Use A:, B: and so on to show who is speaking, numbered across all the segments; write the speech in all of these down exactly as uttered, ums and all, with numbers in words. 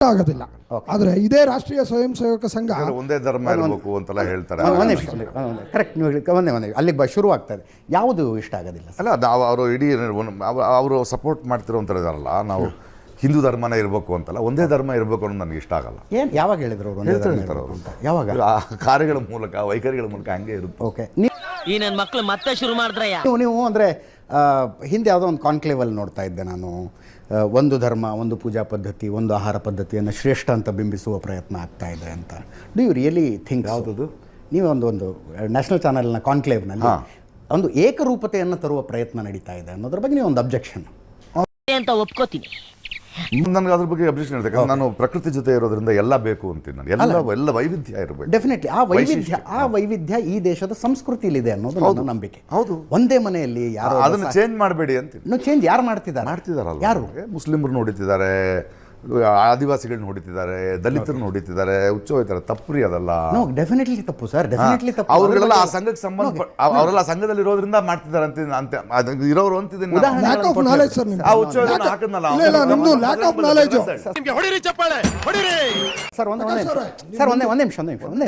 A: ಆಗೋದಿಲ್ಲ. ಆದರೆ ಇದೇ ರಾಷ್ಟ್ರೀಯ ಸ್ವಯಂ ಸೇವಕ ಸಂಘ
B: ಒಂದೇ ಧರ್ಮ ಇರಬೇಕು ಅಂತೆಲ್ಲ ಹೇಳ್ತಾರೆ.
C: ಒಂದೇ ಕರೆಕ್ಟ್, ನೀವು ಹೇಳಿ ಒಂದೇ ಒಂದೇ ಅಲ್ಲಿಗೆ ಬ ಶುರು ಆಗ್ತದೆ. ಯಾವುದು ಇಷ್ಟ ಆಗೋದಿಲ್ಲ
B: ಅಲ್ಲ, ಅದು ಅವರು ಇಡೀ ಅವರು ಸಪೋರ್ಟ್ ಮಾಡ್ತಿರೋಂಥರ ಇದಾರಲ್ಲ, ನಾವು ಹಿಂದೂ ಧರ್ಮನೇ ಇರಬೇಕು ಅಂತಲ್ಲ, ಒಂದೇ ಧರ್ಮ ಇರಬೇಕು ಅನ್ನೋದು ನನಗೆ ಇಷ್ಟ ಆಗಲ್ಲ.
C: ಏನು ಯಾವಾಗ ಹೇಳಿದ್ರು ಅವರು? ಒಂದೇ ಧರ್ಮ ಇರಬೇಕು ಅಂತ ಯಾವಾಗ?
B: ಕಾರ್ಯಗಳ ಮೂಲಕ, ವೈಖರಿಗಳ ಮೂಲಕ ಹಂಗೆ ಇರುತ್ತೆ.
C: ಓಕೆ,
D: ಈ ನನ್ನ ಮಕ್ಕಳು ಮತ್ತೆ ಶುರು ಮಾಡಿದ್ರಯ್ಯ.
C: ನೀವು ನೀವು ಅಂದರೆ ಹಿಂದೆ ಯಾವುದೋ ಒಂದು ಕಾನ್ಕ್ಲೇವಲ್ಲಿ ನೋಡ್ತಾ ಇದ್ದೆ ನಾನು, ಒಂದು ಧರ್ಮ, ಒಂದು ಪೂಜಾ ಪದ್ಧತಿ, ಒಂದು ಆಹಾರ ಪದ್ಧತಿಯನ್ನು ಶ್ರೇಷ್ಠ ಅಂತ ಬಿಂಬಿಸುವ ಪ್ರಯತ್ನ ಆಗ್ತಾ ಇದೆ ಅಂತ. Do you really think?
B: ಯಾವುದದು?
C: ನೀವು ಒಂದು ಒಂದು ನ್ಯಾಷನಲ್ ಚಾನಲ್ನ ಕಾನ್ಕ್ಲೇವ್ನಲ್ಲಿ ಒಂದು ಏಕರೂಪತೆಯನ್ನು ತರುವ ಪ್ರಯತ್ನ ನಡೀತಾ ಇದೆ ಅನ್ನೋದ್ರ ಬಗ್ಗೆ ನೀವು ಒಂದು ಅಬ್ಜೆಕ್ಷನ್
D: ಅಂತ ಒಪ್ಕೋತೀನಿ.
B: ನನಗೆ ಅದ್ರ ಬಗ್ಗೆ ಅಬ್ಜೆಕ್ಷನ್ ಇರುತ್ತೆ. ನಾನು ಪ್ರಕೃತಿ ಜೊತೆ ಇರೋದ್ರಿಂದ ಎಲ್ಲ ಬೇಕು ಅಂತೀನಿ ನಾನು. ಎಲ್ಲ ಎಲ್ಲ ವೈವಿಧ್ಯ ಇರಬೇಕು.
C: ಡೆಫಿನೆಟ್ಲಿ ಆ ವೈವಿಧ್ಯ ಆ ವೈವಿಧ್ಯ ಈ ದೇಶದ ಸಂಸ್ಕೃತಿಲಿದೆ ಅನ್ನೋದು ನನ್ನ ನಂಬಿಕೆ.
B: ಹೌದು,
C: ಒಂದೇ ಮನೆಯಲ್ಲಿ ಯಾರು
B: ಅದನ್ನು ಚೇಂಜ್ ಮಾಡಬೇಡಿ ಅಂತೀನಿ.
C: ಇನ್ನು ಚೇಂಜ್ ಯಾರು ಮಾಡ್ತಿದ್ದಾರೆ?
B: ಮಾಡ್ತಿದಾರಲ್ಲ,
C: ಯಾರು?
B: ಮುಸ್ಲಿಮರು ನೋಡಿತಿದ್ದಾರೆ, ಆದಿವಾಸಿಗಳನ್ನ ಹೊಡಿತಿದ್ದಾರೆ, ದಲಿತರನ್ನ ಹೊಡಿತಿದ್ದಾರೆ, ಹುಚ್ಚ ಹೋಯ್ತಾರೆ. ತಪ್ಪು ಅದಲ್ಲ.
C: ನೋ, ಡೆಫಿನೆಟ್ಲಿ ತಪ್ಪು ಸರ್, ಡೆಫಿನೆಟ್ಲಿ ತಪ್ಪು.
B: ಅವರೆಲ್ಲ ಆ ಸಂಘಕ್ಕೆ ಸಂಬಂಧ, ಅವರೆಲ್ಲ ಸಂಘದಲ್ಲಿ ಇರೋದ್ರಿಂದ ಮಾಡ್ತಿದ್ದಾರೆ ಅಂತ ಅಂತ ಇರೋರು ಅಂತಿದ್ದೀನಿ.
A: Lack of knowledge sir.
B: ಆ ಹುಚ್ಚ ಹೋಯ್ತು ಹಾಕದ್ನಲ್ಲ,
A: ನಿಮ್ದು ಲ್ಯಾಕ್ ಆಫ್ ನಾಲೆಜ್.
B: ಹೊಡಿರಿ ಚಪ್ಪಾಳೆ, ಹೊಡಿರಿ
C: ಸರ್. ಒಂದೇ ಒಂದೇ ಸರ್ ಒಂದೇ ಒಂದೇ ನಿಮಿಷ ಒಂದೇ ನಿಮಿಷ ಒಂದೇ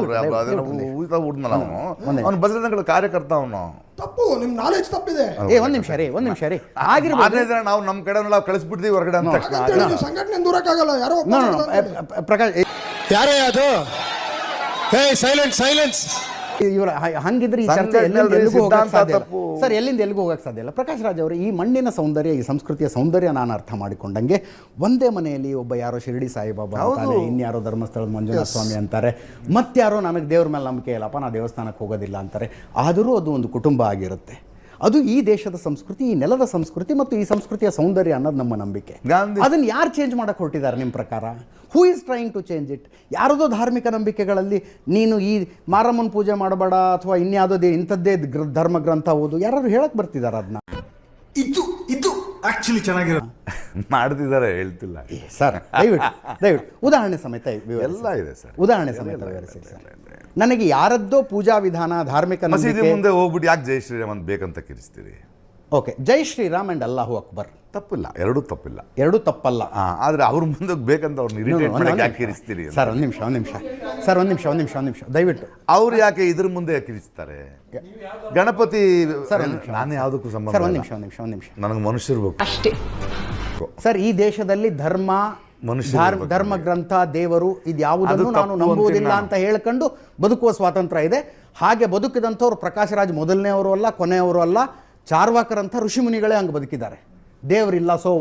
B: ಊಟ ಉಡ್ನಲ್ಲ ಅವನು, ಅವನು ಬಜರಂಗಳ ಕಾರ್ಯಕರ್ತ ಅವನು.
A: ತಪ್ಪು, ನಿಮ್ ನಾಲೆಜ್ ತಪ್ಪಿದೆ.
C: ಏ ಒಂದ್ ನಿಮಿಷ ರೀ, ಒಂದ್ ನಿಮಿಷ ರೀ. ಆಗಿರ್ಬೋದು
B: ನಾವು ನಮ್ಮ ಕಡೆ ನಾವು ಕಳಿಸ್ಬಿಡ್ತೀವಿ ಹೊರಗಡೆ ಅಂತ ತಕ್ಷಣ
A: ಸಂಘಟನೆ ದೂರಕ್ಕಾಗಲ್ಲ. ಯಾರೋ
C: ಪ್ರಕಾಶ್
E: ಯಾರೇ ಅದು? Hey silence silence.
C: ಇವರ ಹಂಗಿದ್ರೆ ಈ ಚರ್ಚೆ ಎಲ್ಲಿಂದ ಎಲ್ಲಿಗೂ ಹೋಗಕ್ಕೆ ಸಾಧ್ಯ ಇಲ್ಲ ಸರ್, ಎಲ್ಲಿಂದ ಎಲ್ಲಿಗೂ ಹೋಗಕ್ಕೆ ಸಾಧ್ಯ ಇಲ್ಲ. ಪ್ರಕಾಶ್ ರಾಜ್ ಅವರು, ಈ ಮಣ್ಣಿನ ಸೌಂದರ್ಯ, ಈ ಸಂಸ್ಕೃತಿಯ ಸೌಂದರ್ಯ ನಾನು ಅರ್ಥ ಮಾಡಿಕೊಂಡಂಗೆ, ಒಂದೇ ಮನೆಯಲ್ಲಿ ಒಬ್ಬ ಯಾರೋ ಶಿರಡಿ ಸಾಯಿಬಾಬಾ ಅಂತಾನೆ, ಇನ್ಯಾರೋ ಧರ್ಮಸ್ಥಳದ ಮಂಜುನಾಥ ಸ್ವಾಮಿ ಅಂತಾರೆ, ಮತ್ತಾರೋ ನನಗೆ ದೇವ್ರ ಮೇಲೆ ನಂಬಿಕೆ ಇಲ್ಲಪ್ಪ, ನಾ ದೇವಸ್ಥಾನಕ್ಕೆ ಹೋಗೋದಿಲ್ಲ ಅಂತಾರೆ. ಆದರೂ ಅದು ಒಂದು ಕುಟುಂಬ ಆಗಿರುತ್ತೆ. ಅದು ಈ ದೇಶದ ಸಂಸ್ಕೃತಿ, ಈ ನೆಲದ ಸಂಸ್ಕೃತಿ ಮತ್ತು ಈ ಸಂಸ್ಕೃತಿಯ ಸೌಂದರ್ಯ ಅನ್ನೋದು ನಮ್ಮ ನಂಬಿಕೆ. ಅದನ್ನು ಯಾರು ಚೇಂಜ್ ಮಾಡಕ್ಕೆ ಹೊರಟಿದ್ದಾರೆ ನಿಮ್ಮ ಪ್ರಕಾರ? Who is trying to change it? ಯಾರದೋ ಧಾರ್ಮಿಕ ನಂಬಿಕೆಗಳಲ್ಲಿ ನೀನು ಈ ಮಾರಮ್ಮನ ಪೂಜೆ ಮಾಡಬೇಡ ಅಥವಾ ಇನ್ಯಾವುದೋ ಇಂಥದ್ದೇ ಧರ್ಮ ಗ್ರಂಥ ಓದು, ಯಾರು ಹೇಳಕ್ಕೆ ಬರ್ತಿದ್ದಾರೆ ಅದನ್ನ?
E: ಇದು ಇದು ಆಕ್ಚುಲಿ ಚೆನ್ನಾಗಿರೋ
B: ಮಾಡ್ತಿದ್ದಾರೆ, ಹೇಳ್ತಿಲ್ಲ
C: ಸರ್. ದಯವಿಟ್ಟು ದಯವಿಟ್ಟು ಉದಾಹರಣೆ ಸಮೇತ
B: ಎಲ್ಲ ಇದೆ ಸರ್,
C: ಉದಾಹರಣೆ ಸಮೇತ ವಿವರಿಸಿ ಸರ್. ನನಗೆ ಯಾರದ್ದೋ ಪೂಜಾ ವಿಧಾನ, ಧಾರ್ಮಿಕ
B: ಮಸೀದಿ ಮುಂದೆ ಹೋಗ್ಬಿಟ್ಟು ಯಾಕೆ ಜೈ ಶ್ರೀರಾಮ್ ಅಂತ ಬೇಕಂತ ಕಿರಿಸ್ತೀರಿ?
C: ಓಕೆ, ಜೈ ಶ್ರೀರಾಮ್ ಅಂಡ್ ಅಲ್ಲಾಹು ಅಕ್ಬರ್
B: ತಪ್ಪಿಲ್ಲ, ಎರಡೂ ತಪ್ಪಿಲ್ಲ,
C: ಎರಡೂ ತಪ್ಪಲ್ಲ.
B: ಆದ್ರೆ ಅವ್ರ ಮುಂದೆ ಬೇಕಂತ ಅವ್ರನ್ನ ಇರಿಟೇಟ್ ಮಾಡಕ್ಕೆ ಯಾಕೆ ಕಿರಿಸ್ತೀರಿ?
C: ಸರ್ ಒಂದು ನಿಮಿಷ ಒಂದು ನಿಮಿಷ ಸರ್ ಒಂದು ನಿಮಿಷ ಒಂದು ನಿಮಿಷ ಒಂದು ನಿಮಿಷ ದಯವಿಟ್ಟು.
B: ಅವ್ರು ಯಾಕೆ ಇದ್ರ ಮುಂದೆ ಕಿರಿಸ್ತಾರೆ? ಗಣಪತಿ ಸರ್, ನಾನು ಯಾವುದಕ್ಕೂ ಸಂಬಂಧ.
C: ಸರ್ ಒಂದು ನಿಮಿಷ ಒಂದು ನಿಮಿಷ ಒಂದು ನಿಮಿಷ
B: ನನಗೆ ಮನುಷ್ಯರು ಅಷ್ಟೇ
C: ಸರ್. ಈ ದೇಶದಲ್ಲಿ ಧರ್ಮ, ಧರ್ಮ ಗ್ರಂಥ, ದೇವರು ಇದ್ಯಾವುದನ್ನು ನಾನು ನಂಬುವುದಿಲ್ಲ ಅಂತ ಹೇಳ್ಕೊಂಡು ಬದುಕುವ ಸ್ವಾತಂತ್ರ್ಯ ಇದೆ. ಹಾಗೆ ಬದುಕಿದಂಥವ್ರು ಪ್ರಕಾಶ್ ರಾಜ್ ಮೊದಲನೆಯವರು ಅಲ್ಲ, ಕೊನೆಯವರು ಅಲ್ಲ. ಚಾರ್ವಾಕರಂಥ ಋಷಿಮುನಿಗಳೇ ಹಂಗೆ ಬದುಕಿದ್ದಾರೆ. ದೇವರಿಲ್ಲ, ಸೊ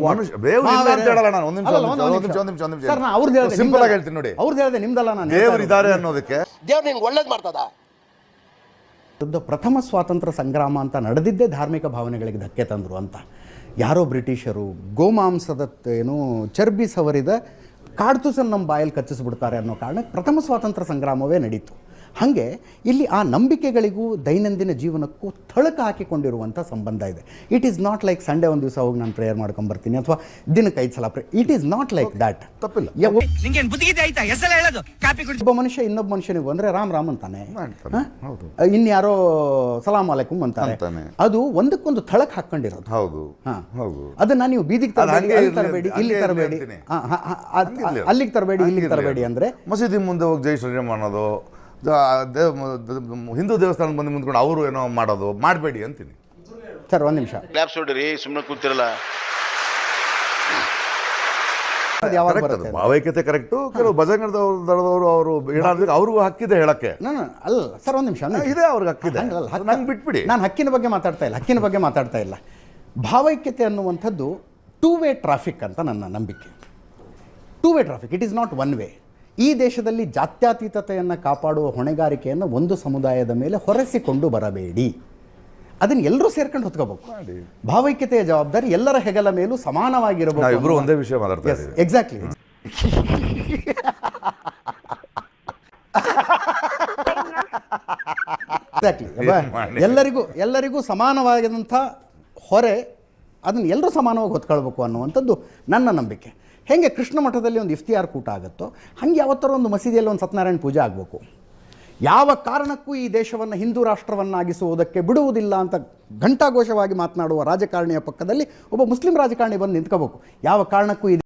B: ಸಿಂಪಲ್ ಆಗಿ ಹೇಳ್ತೀನಿ ನೋಡಿ,
C: ಅವ್ರದ್ದು ಹೇಳಿದೆ, ನಿಮ್ದಲ್ಲ. ನಾನು
B: ದೇವರಿದ್ದಾರೆ ಅನ್ನೋದಕ್ಕೆ
D: ದೇವ್ರು ನಿನ್ಗೆ ಒಳ್ಳೇದು ಮಾಡ್ತದ.
C: ಪ್ರಥಮ ಸ್ವಾತಂತ್ರ್ಯ ಸಂಗ್ರಾಮ ಅಂತ ನಡೆದಿದ್ದೇ ಧಾರ್ಮಿಕ ಭಾವನೆಗಳಿಗೆ ಧಕ್ಕೆ ತಂದರು ಅಂತ. ಯಾರೋ ಬ್ರಿಟಿಷರು ಗೋಮಾಂಸದ ಏನು ಚರ್ಬಿ ಸವರಿದ ಕಾಡ್ತುಸನ್ನು ನಮ್ಮ ಬಾಯಲ್ಲಿ ಕಚ್ಚಿಸ್ಬಿಡ್ತಾರೆ ಅನ್ನೋ ಕಾರಣಕ್ಕೆ ಪ್ರಥಮ ಸ್ವಾತಂತ್ರ್ಯ ಸಂಗ್ರಾಮವೇ ನಡೀತು. ಹಾಗೆ ಇಲ್ಲಿ ಆ ನಂಬಿಕೆಗಳಿಗೂ ದೈನಂದಿನ ಜೀವನಕ್ಕೂ ಥಳಕ ಹಾಕಿಕೊಂಡಿರುವಂಥ ಸಂಬಂಧ ಇದೆ. It is not like Sunday ಒಂದು ದಿವಸ ಹೋಗಿ ನಾನು ಪ್ರೇಯರ್ ಮಾಡ್ಕೊಂಬರ್ತೀನಿ ಅಥವಾ ದಿನಕ್ಕೆ ಐದು ಸಲ pray. It is not like that.
B: ತಪ್ಪಿಲ್ಲ.
C: ಒಬ್ಬ ಮನುಷ್ಯ ಇನ್ನೊಬ್ಬ ಮನುಷ್ಯನಿಗೆ ಬಂದರೆ ರಾಮ್ ರಾಮ್ ಅಂತಾನೆ, ಇನ್ಯಾರೋ ಸಲಾಮ್ ಅಲೈಕುಮ್ ಅಂತಾರೆ. ಅದು ಒಂದಕ್ಕೊಂದು ಥಳಕ್ ಹಾಕೊಂಡಿರೋದು.
B: ಹೌದು,
C: ಅದನ್ನ ನೀವು ಬೀದಿಗೆ ತರಬೇಡಿ, ಅಲ್ಲಿ ತರಬೇಡಿ, ಇಲ್ಲಿ ತರಬೇಡಿ, ಅಲ್ಲಿಗೆ ತರಬೇಡಿ, ಇಲ್ಲಿಗೆ ತರಬೇಡಿ ಅಂದ್ರೆ.
B: ಮಸೀದಿ ಮುಂದೆ ಹೋಗಿ ಜೈ ಶ್ರೀರಾಮ್ ಅನ್ನೋದು, ಹಿಂದೂ ದೇವಸ್ಥಾನದ ಬಂದು ಮುಂದ್ಕೊಂಡು ಅವರು ಏನೋ ಮಾಡೋದು ಮಾಡಬೇಡಿ ಅಂತೀನಿ
C: ಸರ್. ಒಂದು ನಿಮಿಷ
F: ಕ್ಲಾಪ್ಸ್ ಹೊಡಿರಿ, ಸುಮ್ಮನೆ ಕೂತಿರಲ್ಲ.
B: ಭಾವೈಕ್ಯತೆ ಕರೆಕ್ಟು. ಕೆಲವು ಭಜಂಗದವರು ಅವರು ಏನಾದ್ರು ಅವ್ರಿಗೂ ಹಕ್ಕಿದೆ ಹೇಳಕ್ಕೆ.
C: ಅಲ್ಲ ಸರ್, ಒಂದು ನಿಮಿಷ
B: ಇದೆ, ಅವ್ರಿಗೆ ಹಕ್ಕಿದೆ, ನಂಗೆ ಬಿಟ್ಬಿಡಿ.
C: ನಾನು ಹಕ್ಕಿನ ಬಗ್ಗೆ ಮಾತಾಡ್ತಾ ಇಲ್ಲ, ಹಕ್ಕಿನ ಬಗ್ಗೆ ಮಾತಾಡ್ತಾ ಇಲ್ಲ. ಭಾವೈಕ್ಯತೆ ಅನ್ನುವಂಥದ್ದು ಟೂ ವೇ ಟ್ರಾಫಿಕ್ ಅಂತ ನನ್ನ ನಂಬಿಕೆ. Two way traffic, it is not one way. ಈ ದೇಶದಲ್ಲಿ ಜಾತ್ಯತೀತತೆಯನ್ನು ಕಾಪಾಡುವ ಹೊಣೆಗಾರಿಕೆಯನ್ನು ಒಂದು ಸಮುದಾಯದ ಮೇಲೆ ಹೊರೆಸಿಕೊಂಡು ಬರಬೇಡಿ. ಅದನ್ನು ಎಲ್ಲರೂ ಸೇರ್ಕೊಂಡು ಹೊತ್ಕೋಬೇಕು. ಭಾವೈಕ್ಯತೆಯ ಜವಾಬ್ದಾರಿ ಎಲ್ಲರ ಹೆಗಲ ಮೇಲೂ ಸಮಾನವಾಗಿರಬೇಕು.
B: ಇಬ್ಬರು ಒಂದೇ ವಿಷಯ ಮಾತಾಡ್ತಾರೆ.
C: ಎಕ್ಸಾಕ್ಟ್ಲಿ. ಎಕ್ಸಾಕ್ಟ್ಲಿ. ಎಲ್ಲರಿಗೂ ಎಲ್ಲರಿಗೂ ಸಮಾನವಾದಂಥ ಹೊರೆ, ಅದನ್ನು ಎಲ್ಲರೂ ಸಮಾನವಾಗಿ ಹೊತ್ಕೊಳ್ಬೇಕು ಅನ್ನುವಂಥದ್ದು ನನ್ನ ನಂಬಿಕೆ. ಹೇಗೆ ಕೃಷ್ಣ ಮಠದಲ್ಲಿ ಒಂದು ಇಫ್ತಿಯಾರ್ ಕೂಟ ಆಗುತ್ತೋ ಹಾಗೆ ಯಾವತ್ತಾರ ಒಂದು ಮಸೀದಿಯಲ್ಲಿ ಒಂದು ಸತ್ಯನಾರಾಯಣ ಪೂಜೆ ಆಗಬೇಕು. ಯಾವ ಕಾರಣಕ್ಕೂ ಈ ದೇಶವನ್ನು ಹಿಂದೂ ರಾಷ್ಟ್ರವನ್ನಾಗಿಸುವುದಕ್ಕೆ ಬಿಡುವುದಿಲ್ಲ ಅಂತ ಘಂಟಾಘೋಷವಾಗಿ ಮಾತನಾಡುವ ರಾಜಕಾರಣಿಯ ಪಕ್ಕದಲ್ಲಿ ಒಬ್ಬ ಮುಸ್ಲಿಂ ರಾಜಕಾರಣಿ ಬಂದು ನಿಂತ್ಕೋಬೇಕು. ಯಾವ ಕಾರಣಕ್ಕೂ